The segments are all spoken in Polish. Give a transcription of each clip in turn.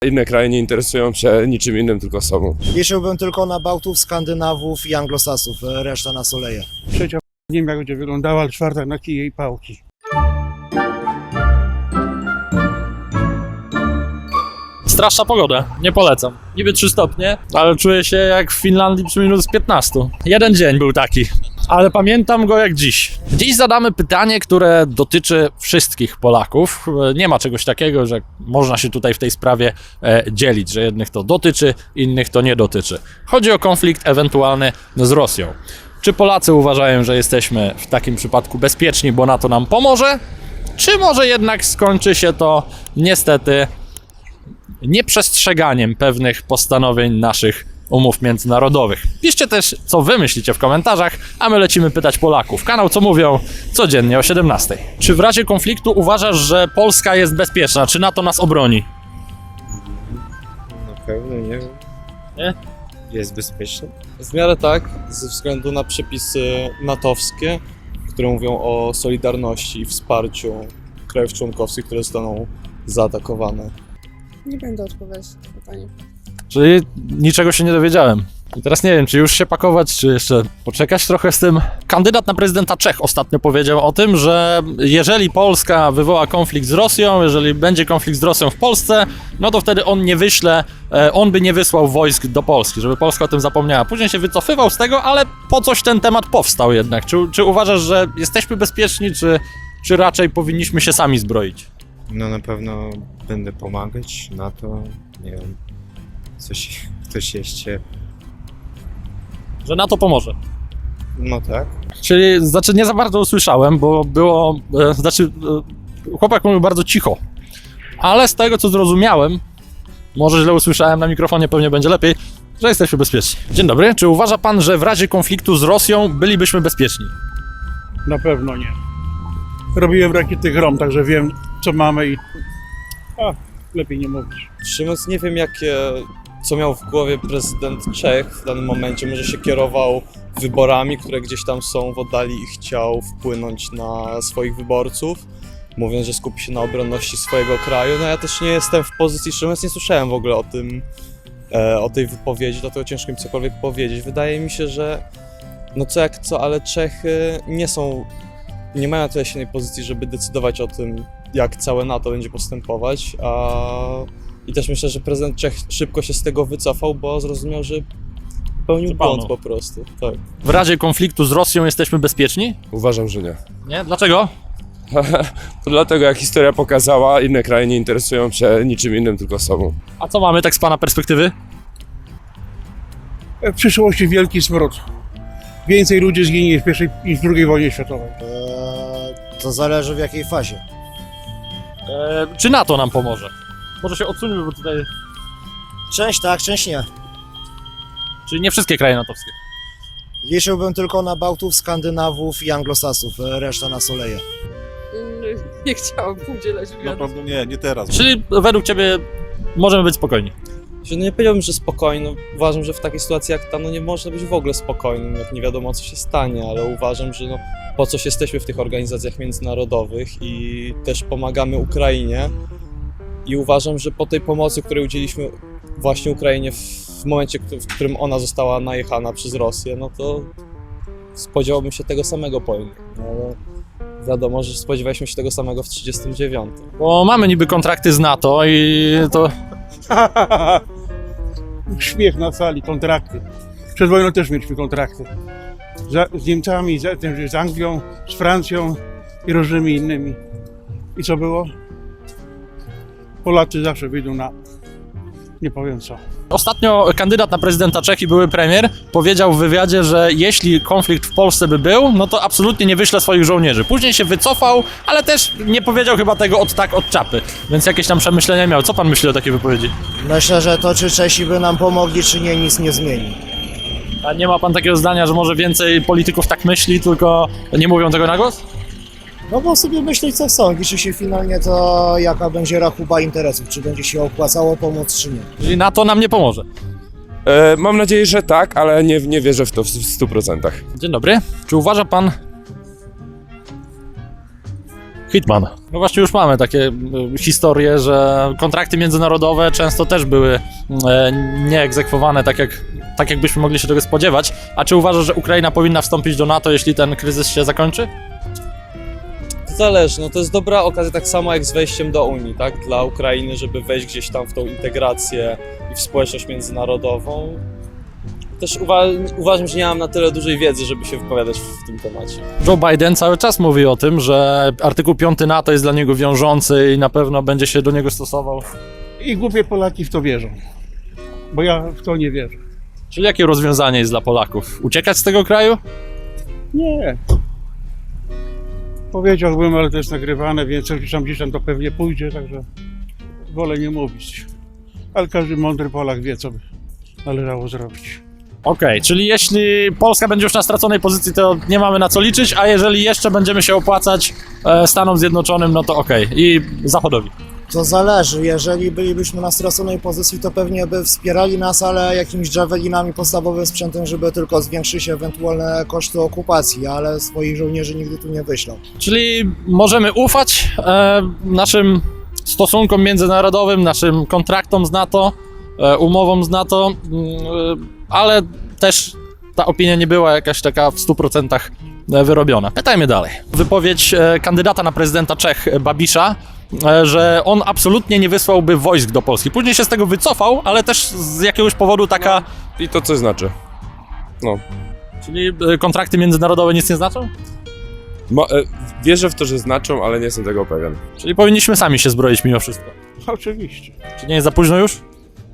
Inne kraje nie interesują się niczym innym, tylko sobą. Liczyłbym tylko na Bałtów, Skandynawów i Anglosasów, reszta na soleje. Trzecia nie wiem jak będzie wyglądała, ale czwarta na kije i pałki. Straszna pogoda, nie polecam. Niby 3 stopnie, ale czuję się jak w Finlandii przy minus 15. Jeden dzień był taki, ale pamiętam go jak dziś. Dziś zadamy pytanie, które dotyczy wszystkich Polaków. Nie ma czegoś takiego, że można się tutaj w tej sprawie dzielić, że jednych to dotyczy, innych to nie dotyczy. Chodzi o konflikt ewentualny z Rosją. Czy Polacy uważają, że jesteśmy w takim przypadku bezpieczni, bo NATO nam pomoże? Czy może jednak skończy się to niestety nieprzestrzeganiem pewnych postanowień naszych umów międzynarodowych? Piszcie też, co wy myślicie w komentarzach, a my lecimy pytać Polaków. Kanał Co Mówią codziennie o 17:00. Czy w razie konfliktu uważasz, że Polska jest bezpieczna? Czy NATO nas obroni? Na pewno nie wiem. Nie? Jest bezpieczny? W miarę tak, ze względu na przepisy natowskie, które mówią o solidarności i wsparciu krajów członkowskich, które zostaną zaatakowane. Nie będę odpowiadać na to pytanie. Czyli niczego się nie dowiedziałem. I teraz nie wiem, czy już się pakować, czy jeszcze poczekać trochę z tym. Kandydat na prezydenta Czech ostatnio powiedział o tym, że jeżeli Polska wywoła konflikt z Rosją, jeżeli będzie konflikt z Rosją w Polsce, no to wtedy on by nie wysłał wojsk do Polski, żeby Polska o tym zapomniała. Później się wycofywał z tego, ale po coś ten temat powstał jednak. Czy uważasz, że jesteśmy bezpieczni, czy raczej powinniśmy się sami zbroić? No na pewno będę pomagać na to, nie wiem, ktoś jeszcze, Że NATO pomoże. no tak. Czyli, nie za bardzo usłyszałem, bo było, chłopak mówił bardzo cicho, ale z tego co zrozumiałem, może źle usłyszałem na mikrofonie, pewnie będzie lepiej, że jesteśmy bezpieczni. Dzień dobry, czy uważa pan, że w razie konfliktu z Rosją bylibyśmy bezpieczni? Na pewno nie. Robiłem rakiety Grom, także wiem co mamy i... lepiej nie mówić. Szczerze mówiąc, nie wiem co miał w głowie prezydent Czech w danym momencie. Może się kierował wyborami, które gdzieś tam są w oddali i chciał wpłynąć na swoich wyborców, mówiąc, że skupi się na obronności swojego kraju. No ja też nie jestem w pozycji, szczerze mówiąc nie słyszałem w ogóle o tej wypowiedzi, dlatego ciężko mi cokolwiek powiedzieć. Wydaje mi się, że no co jak co, ale Czechy nie mają na tyle silnej pozycji, żeby decydować o tym, jak całe NATO będzie postępować, i też myślę, że prezydent Czech szybko się z tego wycofał, bo zrozumiał, że popełnił błąd po prostu. Tak. W razie konfliktu z Rosją jesteśmy bezpieczni? Uważam, że nie. Nie? Dlaczego? To dlatego, jak historia pokazała, inne kraje nie interesują się niczym innym, tylko sobą. A co mamy tak z pana perspektywy? W przyszłości wielki smród. Więcej ludzi zginie w pierwszej niż w II wojnie światowej. To zależy w jakiej fazie. Czy NATO nam pomoże? Może się odsuńmy, bo tutaj... Część tak, część nie. Czyli nie wszystkie kraje natowskie. Liczyłbym tylko na Bałtów, Skandynawów i Anglosasów, reszta na soleje. Nie chciałabym udzielać wywiadu. Naprawdę nie teraz. Czyli według ciebie możemy być spokojni? No nie powiedziałbym, że spokojny. Uważam, że w takiej sytuacji jak ta, no nie można być w ogóle spokojnym, jak nie wiadomo co się stanie, ale uważam, że po coś jesteśmy w tych organizacjach międzynarodowych i też pomagamy Ukrainie. I uważam, że po tej pomocy, której udzieliliśmy właśnie Ukrainie w momencie, w którym ona została najechana przez Rosję, no to spodziewałbym się tego samego po innych. No, ale wiadomo, że spodziewaliśmy się tego samego w 1939. Bo mamy niby kontrakty z NATO i to... Śmiech na sali, kontrakty. Przed wojną też mieliśmy kontrakty. Z Niemcami, z Anglią, z Francją i różnymi innymi. I co było? Polacy zawsze wyjdą na... nie powiem co. Ostatnio kandydat na prezydenta Czech i były premier powiedział w wywiadzie, że jeśli konflikt w Polsce by był, no to absolutnie nie wyśle swoich żołnierzy. Później się wycofał, ale też nie powiedział chyba tego od czapy, więc jakieś tam przemyślenia miał. Co pan myśli o takiej wypowiedzi? Myślę, że to czy Czesi by nam pomogli, czy nie, nic nie zmieni. A nie ma pan takiego zdania, że może więcej polityków tak myśli, tylko nie mówią tego na głos? No bo sobie myśleć co chcą, liczy się finalnie to jaka będzie rachuba interesów, czy będzie się opłacało pomóc, czy nie. Czyli NATO nam nie pomoże. Mam nadzieję, że tak, ale nie wierzę w to w 100%. Dzień dobry. Czy uważa pan... Hitman. No właśnie już mamy takie historie, że kontrakty międzynarodowe często też były nieegzekwowane tak jakbyśmy mogli się tego spodziewać. A czy uważasz, że Ukraina powinna wstąpić do NATO, jeśli ten kryzys się zakończy? To zależy, no to jest dobra okazja tak samo jak z wejściem do Unii, tak? Dla Ukrainy, żeby wejść gdzieś tam w tą integrację i w społeczność międzynarodową. Też uważam, że nie mam na tyle dużej wiedzy, żeby się wypowiadać w tym temacie. Joe Biden cały czas mówi o tym, że artykuł 5 NATO jest dla niego wiążący i na pewno będzie się do niego stosował. I głupie Polaki w to wierzą, bo ja w to nie wierzę. Czyli jakie rozwiązanie jest dla Polaków? Uciekać z tego kraju? Nie. Powiedziałbym, ale to jest nagrywane, więc gdzieś tam to pewnie pójdzie, także wolę nie mówić. Ale każdy mądry Polak wie, co by należało zrobić. Okej, czyli jeśli Polska będzie już na straconej pozycji, to nie mamy na co liczyć, a jeżeli jeszcze będziemy się opłacać Stanom Zjednoczonym, no to okej. I Zachodowi. To zależy, jeżeli bylibyśmy na straconej pozycji, to pewnie by wspierali nas, ale jakimiś javelinami, podstawowym sprzętem, żeby tylko zwiększyć ewentualne koszty okupacji, ale swoich żołnierzy nigdy tu nie wyślą. Czyli możemy ufać naszym stosunkom międzynarodowym, naszym kontraktom z NATO, umowom z NATO, ale też ta opinia nie była jakaś taka w 100% wyrobiona. Pytajmy dalej. Wypowiedź kandydata na prezydenta Czech Babisza, że on absolutnie nie wysłałby wojsk do Polski. Później się z tego wycofał, ale też z jakiegoś powodu taka... I to coś znaczy. No. Czyli kontrakty międzynarodowe nic nie znaczą? Wierzę w to, że znaczą, ale nie jestem tego pewien. Czyli powinniśmy sami się zbroić mimo wszystko. Oczywiście. Czy nie jest za późno już?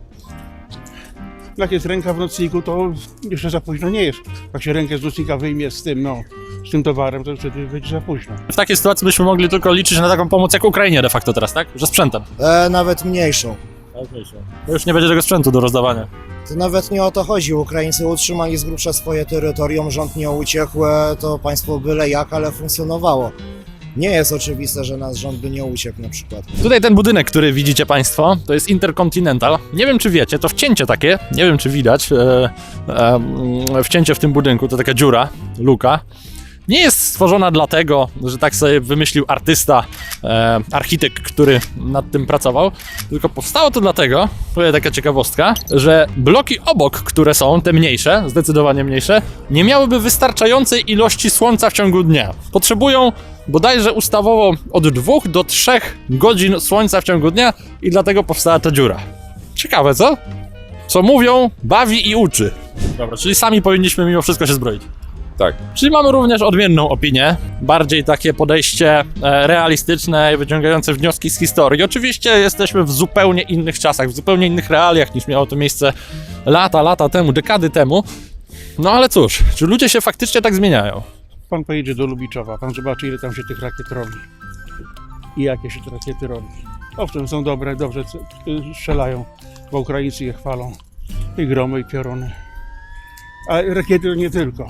Jak jest ręka w nocniku, to jeszcze za późno nie jest. Jak się rękę z nocnika wyjmie z tym, z tym towarem, to wtedy będzie za późno. W takiej sytuacji byśmy mogli tylko liczyć na taką pomoc jak Ukrainie de facto teraz, tak? Że sprzętem. Nawet mniejszą. To już nie będzie tego sprzętu do rozdawania. To nawet nie o to chodzi. Ukraińcy utrzymali z grubsza swoje terytorium, rząd nie uciekł, to państwo byle jak, ale funkcjonowało. Nie jest oczywiste, że nasz rząd by nie uciekł na przykład. Tutaj ten budynek, który widzicie Państwo, to jest Intercontinental. Nie wiem, czy wiecie, to wcięcie takie, nie wiem, czy widać, wcięcie w tym budynku, to taka dziura, luka. Nie jest stworzona dlatego, że tak sobie wymyślił artysta, architekt, który nad tym pracował, tylko powstało to dlatego, to jest taka ciekawostka, że bloki obok, które są, te mniejsze, zdecydowanie mniejsze, nie miałyby wystarczającej ilości słońca w ciągu dnia. Potrzebują bodajże ustawowo od 2 do 3 godzin słońca w ciągu dnia i dlatego powstała ta dziura. Ciekawe, co? Co mówią, bawi i uczy. Dobra, czyli sami powinniśmy mimo wszystko się zbroić. Tak. Czyli mamy również odmienną opinię, bardziej takie podejście realistyczne i wyciągające wnioski z historii. Oczywiście jesteśmy w zupełnie innych czasach, w zupełnie innych realiach niż miało to miejsce lata temu, dekady temu. No ale cóż, czy ludzie się faktycznie tak zmieniają? Pan pojedzie do Lubiczowa, pan zobaczy, ile tam się tych rakiet robi. I jakie się te rakiety robi. Owszem, są dobre, dobrze strzelają, bo Ukraińcy je chwalą. I gromy, i pioruny. A rakiety to nie tylko.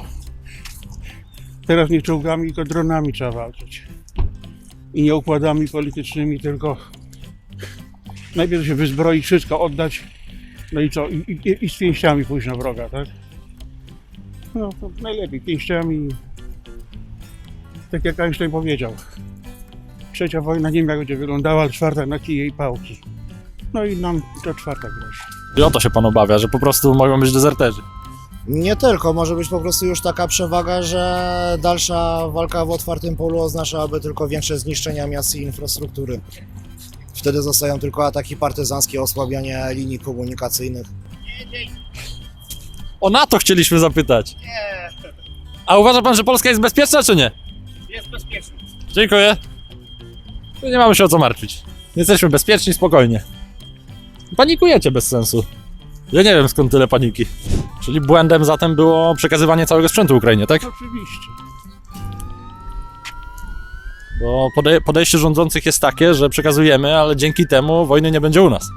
Teraz nie czołgami, tylko dronami trzeba walczyć. I nie układami politycznymi, tylko najpierw się wyzbroić, wszystko oddać, no i co? I z pięściami pójść na wroga, tak? No to najlepiej pięściami. Tak jak Einstein powiedział. Trzecia wojna nie wiem jak będzie wyglądała, ale czwarta na kije i pałki. No i nam to czwarta grozi. I o to się pan obawia, że po prostu mogą być dezerterzy. Nie tylko, może być po prostu już taka przewaga, że dalsza walka w otwartym polu oznaczałaby tylko większe zniszczenia miast i infrastruktury. Wtedy zostają tylko ataki partyzanckie, osłabianie linii komunikacyjnych. O NATO chcieliśmy zapytać. Nie. A uważa pan, że Polska jest bezpieczna, czy nie? Jest bezpieczny. Dziękuję. Tu nie mamy się o co martwić. Jesteśmy bezpieczni, spokojnie. Panikujecie bez sensu. Ja nie wiem, skąd tyle paniki. Czyli błędem zatem było przekazywanie całego sprzętu Ukrainie, tak? Oczywiście. Bo podejście rządzących jest takie, że przekazujemy, ale dzięki temu wojny nie będzie u nas.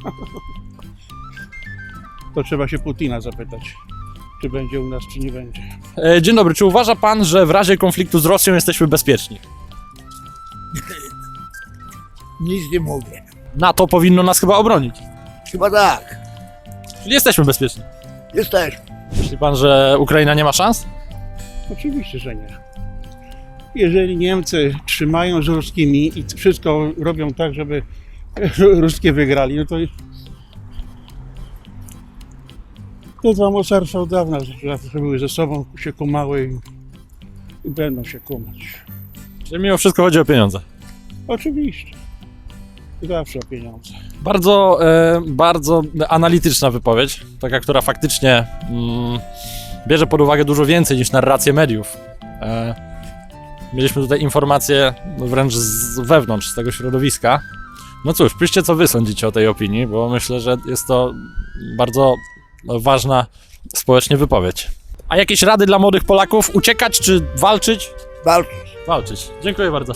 To trzeba się Putina zapytać, czy będzie u nas, czy nie będzie. Dzień dobry, czy uważa pan, że w razie konfliktu z Rosją jesteśmy bezpieczni? Nic nie mówię. NATO powinno nas chyba obronić. Chyba tak. Czyli jesteśmy bezpieczni. Jesteśmy. Myśli pan, że Ukraina nie ma szans? Oczywiście, że nie. Jeżeli Niemcy trzymają z ruskimi i wszystko robią tak, żeby ruskie wygrali, no to dwa mocarstwa od dawna zawsze były ze sobą, się kumały i będą się kumać. Czyli mimo wszystko chodzi o pieniądze. Oczywiście. Zawsze o pieniądze. Bardzo analityczna wypowiedź, taka, która faktycznie bierze pod uwagę dużo więcej niż narrację mediów. Mieliśmy tutaj informacje wręcz z wewnątrz, z tego środowiska. No cóż, piszcie co wy sądzicie o tej opinii, bo myślę, że jest to bardzo ważna społecznie wypowiedź. A jakieś rady dla młodych Polaków? Uciekać czy walczyć? Walczyć. Walczyć. Dziękuję bardzo.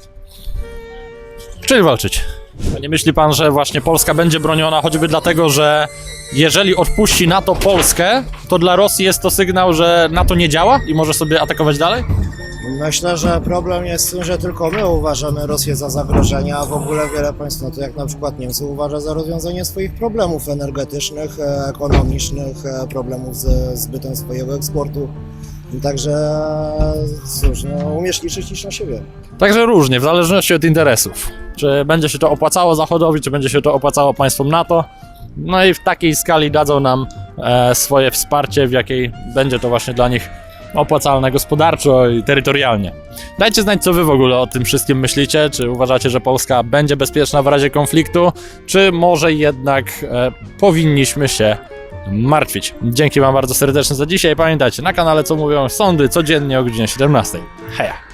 Czyli walczyć. A nie myśli pan, że właśnie Polska będzie broniona choćby dlatego, że jeżeli odpuści NATO Polskę, to dla Rosji jest to sygnał, że NATO nie działa i może sobie atakować dalej? Myślę, że problem jest w tym, że tylko my uważamy Rosję za zagrożenie, a w ogóle wiele państw, no to jak na przykład Niemcy, uważa za rozwiązanie swoich problemów energetycznych, ekonomicznych, problemów ze zbytem swojego eksportu. Także cóż, no, umiesz liczyć, licz na siebie. Także różnie, w zależności od interesów. Czy będzie się to opłacało Zachodowi, czy będzie się to opłacało państwom NATO. No i w takiej skali dadzą nam swoje wsparcie, w jakiej będzie to właśnie dla nich opłacalne gospodarczo i terytorialnie. Dajcie znać, co wy w ogóle o tym wszystkim myślicie. Czy uważacie, że Polska będzie bezpieczna w razie konfliktu, czy może jednak powinniśmy się martwić. Dzięki wam bardzo serdecznie za dzisiaj. Pamiętajcie, na kanale Co Mówią Sądy codziennie o godzinie 17. Heja!